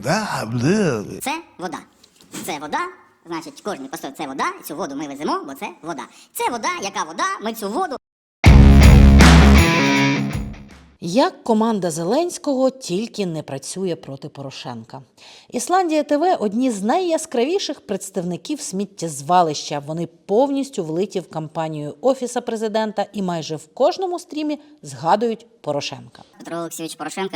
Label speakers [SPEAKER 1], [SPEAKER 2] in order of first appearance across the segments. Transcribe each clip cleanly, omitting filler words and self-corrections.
[SPEAKER 1] Це вода. Це вода, значить, кожен поставив це вода, цю воду ми веземо, бо це вода. Це вода, яка вода, ми цю воду.
[SPEAKER 2] Як команда Зеленського тільки не працює проти Порошенка. Ісландія ТВ – одні з найяскравіших представників сміттєзвалища. Вони повністю влиті в кампанію Офіса президента і майже в кожному стрімі згадують Порошенка.
[SPEAKER 1] Петро Олексійович Порошенко.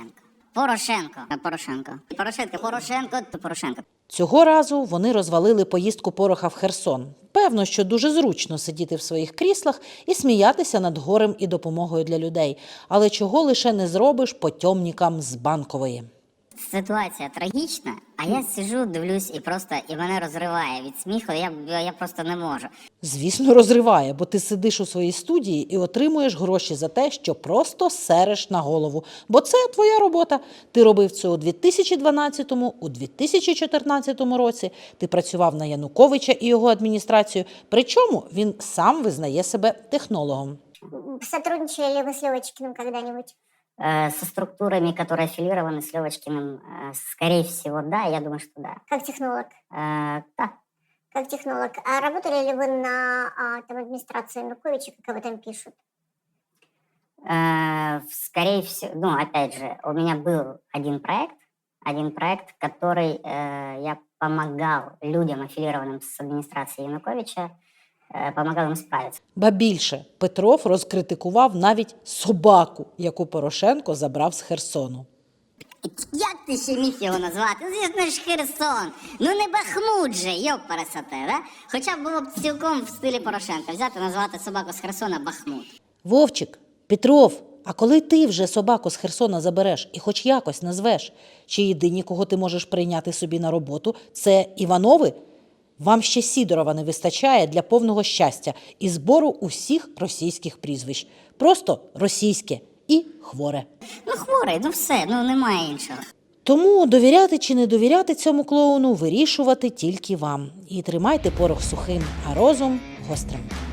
[SPEAKER 1] Порошенко.
[SPEAKER 2] Цього разу вони розвалили поїздку Пороха в Херсон. Певно, що дуже зручно сидіти в своїх кріслах і сміятися над горем і допомогою для людей. Але чого лише не зробиш потьомнікам з Банкової.
[SPEAKER 1] Ситуація трагічна, а я сиджу, дивлюсь і мене розриває від сміху, я просто не можу.
[SPEAKER 2] Звісно, розриває, бо ти сидиш у своїй студії і отримуєш гроші за те, що просто сереш на голову. Бо це твоя робота. Ти робив це у 2012-му, у 2014 році. Ти працював на Януковича і його адміністрацію. Причому він сам визнає себе технологом.
[SPEAKER 3] Сотрудничали ли вы с Левочкиным когда-нибудь?
[SPEAKER 1] Со структурами, которые аффилированы с Левочкиным, скорее всего, да, я думаю, что да.
[SPEAKER 3] Как технолог?
[SPEAKER 1] Да.
[SPEAKER 3] Как технолог. А работали ли вы на администрации Януковича, как об этом пишут?
[SPEAKER 1] Скорее всего, опять же, у меня был один проект, который я помогал людям, аффилированным с администрацией Януковича, помогал їм справитися.
[SPEAKER 2] Ба більше, Петров розкритикував навіть собаку, яку Порошенко забрав з Херсону.
[SPEAKER 1] Як ти ще міг його назвати? Звісно ж, Херсон. Ну не Бахмут же, йоп-пересоте, да? Хоча б було б цілком в стилі Порошенка взяти, назвати собаку з Херсона Бахмут.
[SPEAKER 2] Вовчик, Петров, а коли ти вже собаку з Херсона забереш і хоч якось назвеш? Чи єдині, кого ти можеш прийняти собі на роботу, це Іванови? Вам ще Сідорова не вистачає для повного щастя і збору усіх російських прізвищ. Просто російське і хворе.
[SPEAKER 1] Ну хворий, ну все, ну немає іншого.
[SPEAKER 2] Тому довіряти чи не довіряти цьому клоуну вирішувати тільки вам. І тримайте порох сухим, а розум гострим.